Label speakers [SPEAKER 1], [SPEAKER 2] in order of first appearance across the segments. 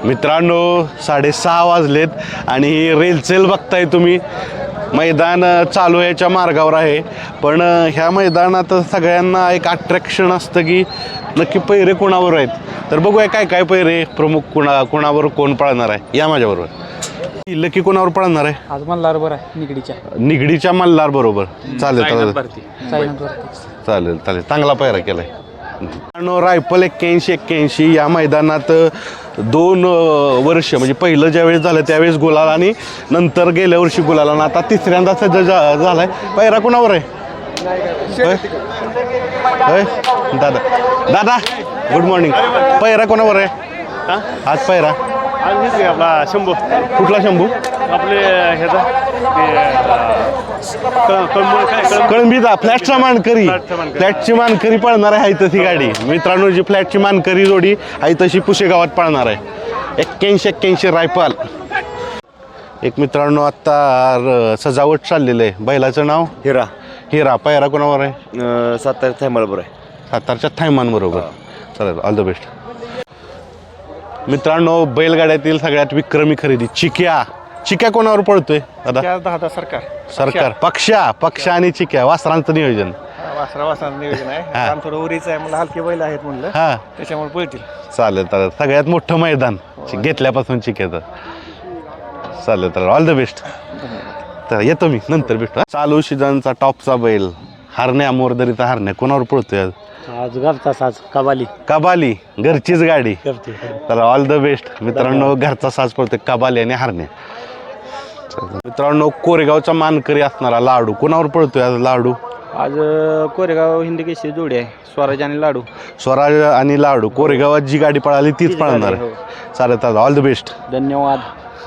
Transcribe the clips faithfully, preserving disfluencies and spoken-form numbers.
[SPEAKER 1] मित्रांनो साडेसहा वाजलेत आणि रेलचेल बघताय तुम्ही. मैदान चालू याच्या मार्गावर आहे, पण ह्या मैदानात सगळ्यांना एक अट्रॅक्शन असतं की नक्की पैरे कोणावर आहेत. तर बघूया काय काय पैरे प्रमुख कोणा कोणावर कोण पळणार आहे. या माझ्याबरोबर लकी कोणावर पळणार आहे.
[SPEAKER 2] आज मल्हार बरं आहे निगडीच्या
[SPEAKER 1] निगडीच्या मल्हार बरोबर. चालेल चालेल
[SPEAKER 2] साईनाथ
[SPEAKER 1] चालेल चालेल चांगला पैरा केलाय. रायफल एक्क्याऐंशी एक्क्याऐंशी या मैदानात दोन वर्ष म्हणजे पहिलं ज्यावेळेस झालं त्यावेळेस गुलाल आणि नंतर गेल्या वर्षी गुलाल आणि आता तिसऱ्यांदा सज्ज झालाय. पैरा कोणावर आहे. होय दादा दादा गुड मॉर्निंग. पैरा कोणावर आहे आज. पैरा
[SPEAKER 3] आपला शंभू.
[SPEAKER 1] कुठला शंभू.
[SPEAKER 3] आपले ह्याचा
[SPEAKER 1] कळंबीचा फ्लॅटचा मानकरी. फ्लॅटची मानकरी पळणार आहे तशी गाडी. मित्रांनो जी फ्लॅटची मानकरी जोडी आहे तशी पुशेगावात पळणार आहे. एक्क्याऐंशी एक्क्याऐंशी रायफल. एक मित्रांनो आत्ता सजावट चाललेलं आहे. बैलाचं नाव
[SPEAKER 4] हिरा.
[SPEAKER 1] हिरा. पैरा कोणावर आहे.
[SPEAKER 4] सातारा थायमाळ बरोबर आहे.
[SPEAKER 1] सातारच्या थायमान बरोबर. चालेल ऑल द बेस्ट. मित्रांनो बैलगाड्यातील सगळ्यात विक्रमी खरेदी चिक्या. चिक्या कोणावर पळतोय दादा.
[SPEAKER 3] दहा सरकार
[SPEAKER 1] सरकार. पक्षा पक्षा आणि चिक्या वासरांचं नियोजन.
[SPEAKER 3] वासरा वासरांचं नियोजन आहे. काम थोडं उरीचं आहे मला. हलके बैल आहेत म्हणलं
[SPEAKER 1] हा
[SPEAKER 3] त्याच्यामुळे पळतील.
[SPEAKER 1] चालेल चालेल. सगळ्यात मोठं मैदान घेतल्यापासून चिक्याचं. चालेल चालेल ऑल द बेस्ट. तर येतो मी नंतर भेटतो. चालू सीझनचा टॉपचा बैल हरण्या मोरदरीचा हरण्या कोणावर पळतोय आज.
[SPEAKER 2] आज घरचा साज कबाली.
[SPEAKER 1] कबाली घरचीच गाडी.
[SPEAKER 2] करते
[SPEAKER 1] तर ऑल द बेस्ट मित्रांनो. घरचा साज पडतोय कबाली आणि हरण्या. मित्रांनो कोरेगावचा मानकरी असणारा लाडू कोणावर पळतोय आज. लाडू
[SPEAKER 2] आज कोरेगाव हिंदी केसरी जोडी आहे. स्वराज आणि लाडू.
[SPEAKER 1] स्वराज आणि लाडू कोरेगावात जी गाडी पळाली तीच पळणार आहे. चालेल चालेल ऑल द बेस्ट.
[SPEAKER 2] धन्यवाद.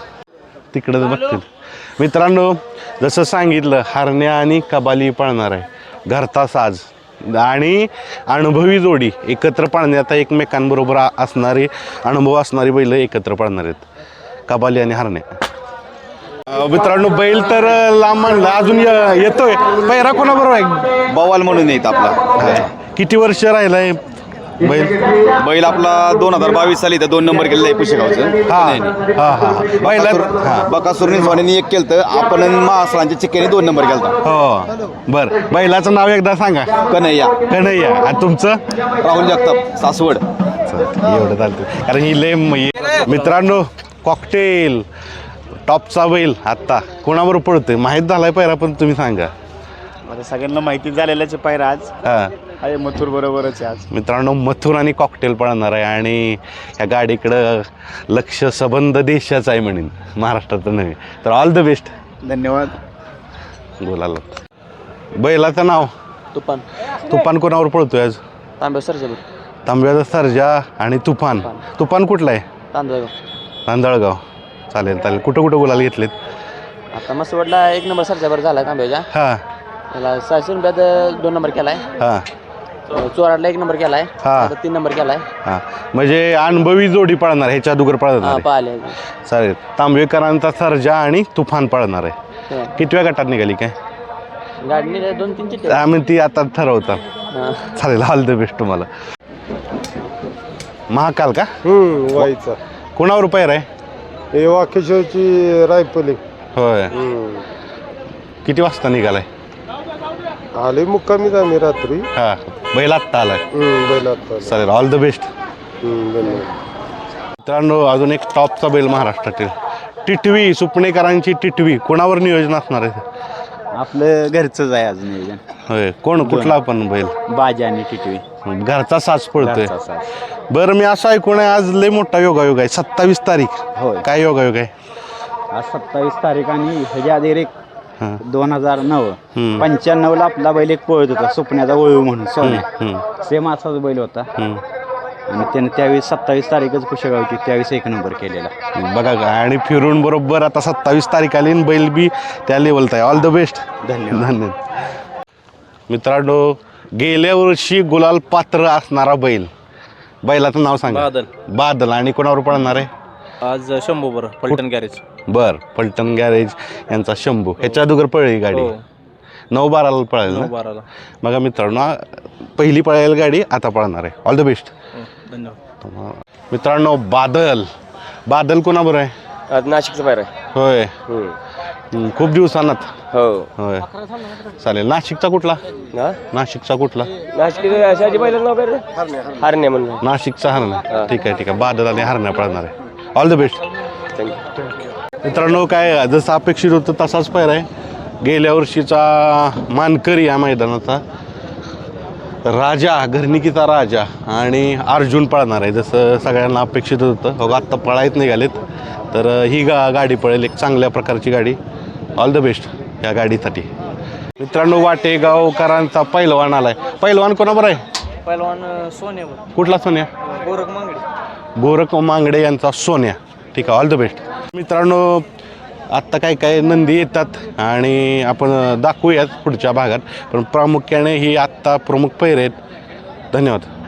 [SPEAKER 1] तिकडंच बघतील. मित्रांनो जसं सांगितलं हरण्या आणि कबाली पळणार आहे. घरचा साज आणि अनुभवी जोडी एकत्र पळण्यात एकमेकांबरोबर असणारी अनुभव असणारी बैल एकत्र पळणार आहेत. कबाली आणि हरण्या. मित्रांनो बैल तर लांब म्हणला अजून येतोय. पैरा कोणाबरोबर आहे.
[SPEAKER 4] बवाल म्हणून येत आपला.
[SPEAKER 1] किती वर्ष राहिलाय बैल.
[SPEAKER 4] बैल आपला दोन हजार बावीस साली तर दोन नंबर केलेला आहे पुशेगावचं.
[SPEAKER 1] हा हा हा बैला हा
[SPEAKER 4] बकासूर स्वानीने एक केलं तर आपण महासरांच्या चिक्क्याने दोन नंबर केला.
[SPEAKER 1] हो बर. बैलाचं नाव एकदा सांगा.
[SPEAKER 4] कन्हैया.
[SPEAKER 1] कन्हैया. आणि तुमचं.
[SPEAKER 4] राहुल जगताप सासवड.
[SPEAKER 1] एवढं चालतं कारण ही लय मित्रांनो कॉकटेल टॉपचा बैल आत्ता कोणाबरोबर पडतोय माहीत झालाय पैरा पण तुम्ही सांगा.
[SPEAKER 3] आता सगळ्यांना माहिती झालेल्याच पायरा आज
[SPEAKER 1] हा
[SPEAKER 3] आहे मथुर बरोबरच आहे आज.
[SPEAKER 1] मित्रांनो मथुर आणि कॉकटेल पळणार आहे आणि या गाडीकडं लक्ष संबंध देशाचा आहे म्हणेन महाराष्ट्राचं नव्हे. तर ऑल द बेस्ट.
[SPEAKER 3] धन्यवाद.
[SPEAKER 1] बोलायला बैलाचं नाव
[SPEAKER 2] तुफान.
[SPEAKER 1] तुफान कोणावर पळतोय आज.
[SPEAKER 2] तांबे सरजा.
[SPEAKER 1] तांब्याचा सर्जा आणि तुफान. तुफान कुठला आहे.
[SPEAKER 2] तांदळगाव.
[SPEAKER 1] तांदळगाव. चालेल चालेल. कुठं कुठं गुलाल घेतलेत.
[SPEAKER 2] आता मस्त वाटला एक नंबर सरजावर झाला तांब्याच्या.
[SPEAKER 1] हां
[SPEAKER 2] त्याला सहाशे रुपयात दोन नंबर केलाय.
[SPEAKER 1] हां
[SPEAKER 2] चोराडला एक नंबर केलाय.
[SPEAKER 1] हा.
[SPEAKER 2] आता तीन नंबर केलाय.
[SPEAKER 1] हां म्हणजे अनुभवी जोडी पळणार ह्याच्या अगोदर पळणार.
[SPEAKER 2] पाहिले.
[SPEAKER 1] चालेल. तांबेकरांचा सर्जा आणि तुफान पळणार आहे. कितव्या गटात निघाली काय
[SPEAKER 2] गाडी दोन तीन चिठ्ठ्या.
[SPEAKER 1] आम्ही ती आता ठरवता. चालेल ऑल द बेस्ट तुम्हाला. महाकाल का
[SPEAKER 5] व्हायचा
[SPEAKER 1] कोणावर पैर आहे.
[SPEAKER 5] हे वाकेश्वरची रायफली.
[SPEAKER 1] होय. किती वाजता निघालाय.
[SPEAKER 5] आले मुक्कामीच आम्ही रात्री.
[SPEAKER 1] हा बैल आत्ता आलाय.
[SPEAKER 5] बैलात
[SPEAKER 1] चालेल ऑल द बेस्ट.
[SPEAKER 5] धन्यवाद.
[SPEAKER 1] मित्रांनो अजून एक टॉपचा बैल महाराष्ट्रातील टिटवी सुपणेकरांची टिटवी कोणावर नियोजन असणार आहे.
[SPEAKER 4] आपलं घरचंच आहे आज नियोजन.
[SPEAKER 1] होय कोण कुठला पण बैल.
[SPEAKER 4] बाजी आणि टिटवी.
[SPEAKER 1] घरचा साज पडतोय. बरं मी असं ऐकून आहे आज लय मोठा योगायोग आहे. सत्तावीस तारीख.
[SPEAKER 4] होय.
[SPEAKER 1] काय योगायोग आहे.
[SPEAKER 4] आज सत्तावीस तारीख आणि ह्याच्या आधी एक
[SPEAKER 1] हां
[SPEAKER 4] दोन हजार नऊ
[SPEAKER 1] हम्म.
[SPEAKER 4] पंच्याण्णव ला आपला बैल एक पळत होता सुपण्याचा वळू म्हणून सोन्या.
[SPEAKER 1] हम्म.
[SPEAKER 4] सेम असाच बैल होता
[SPEAKER 1] हम्म.
[SPEAKER 4] आणि त्याने त्यावेळेस सत्तावीस तारीखच पुशेगावची त्यावेळेस एक नंबर केलेला.
[SPEAKER 1] बघा का आणि फिरून बरोबर आता सत्तावीस तारीख आली आणि बैल बी त्या लेवलचा आहे. All the best.
[SPEAKER 4] धन्यवाद.
[SPEAKER 1] धन्यवाद. मित्रांनो गेल्या वर्षी गुलाल पात्र असणारा बैल बैलाचं नाव सांगा.
[SPEAKER 2] बादल.
[SPEAKER 1] बादल. आणि कोणावर पळणार आहे.
[SPEAKER 2] आज शंभू बरं पलटण गॅरेज.
[SPEAKER 1] बर पलटण गॅरेज यांचा शंभू. ह्याच्या अगोदर पळली गाडी. नऊ बाराला पळेल ना.
[SPEAKER 2] बाराला.
[SPEAKER 1] बघा मित्रांनो पहिली पळायला गाडी आता पळणार आहे. All the best.
[SPEAKER 2] धन्यवाद.
[SPEAKER 1] मित्रांनो बादल बादल कोणाबरोबर आहे?
[SPEAKER 2] आज नाशिकचं बाहेर आहे.
[SPEAKER 1] होय हम्म, खूप दिवसांनात.
[SPEAKER 2] हो.
[SPEAKER 1] होय चालेल. नाशिकचा कुठला?
[SPEAKER 2] हा
[SPEAKER 1] नाशिकचा कुठला?
[SPEAKER 2] नाशिक शाजी बैलाचं नाव काय रे? हरण्या म्हणून.
[SPEAKER 1] नाशिकचा हरणा. ठीक आहे ठीक आहे. बादल आणि हरण्या पळणार आहे. All the best.
[SPEAKER 2] थँक्यू.
[SPEAKER 1] मित्रांनो काय जसं अपेक्षित होतं तसाच पैर आहे. गेल्या वर्षीचा मानकरी या मैदानाचा राजा, घरणिकीचा राजा आणि अर्जुन पळणार आहे जसं सगळ्यांना अपेक्षित होतं. हो आत्ता पळायत निघालेत तर ही गा गाडी पळेल एक चांगल्या प्रकारची गाडी. ऑल द बेस्ट या गाडीसाठी. मित्रांनो वाटेगावकरांचा पैलवान आलाय. पैलवान कोणाबरोबर आहे?
[SPEAKER 2] पहिलवान सोन्यावर.
[SPEAKER 1] कुठला सोन्या?
[SPEAKER 2] गोरख मांगडे.
[SPEAKER 1] गोरख मांगडे यांचा सोन्या. ठीक आहे. All the best. मित्रांनो आत्ता काय काय नंदी येतात आणि आपण दाखवूयात पुढच्या भागात पण प्रामुख्याने ही आत्ता प्रमुख पैर आहेत. धन्यवाद.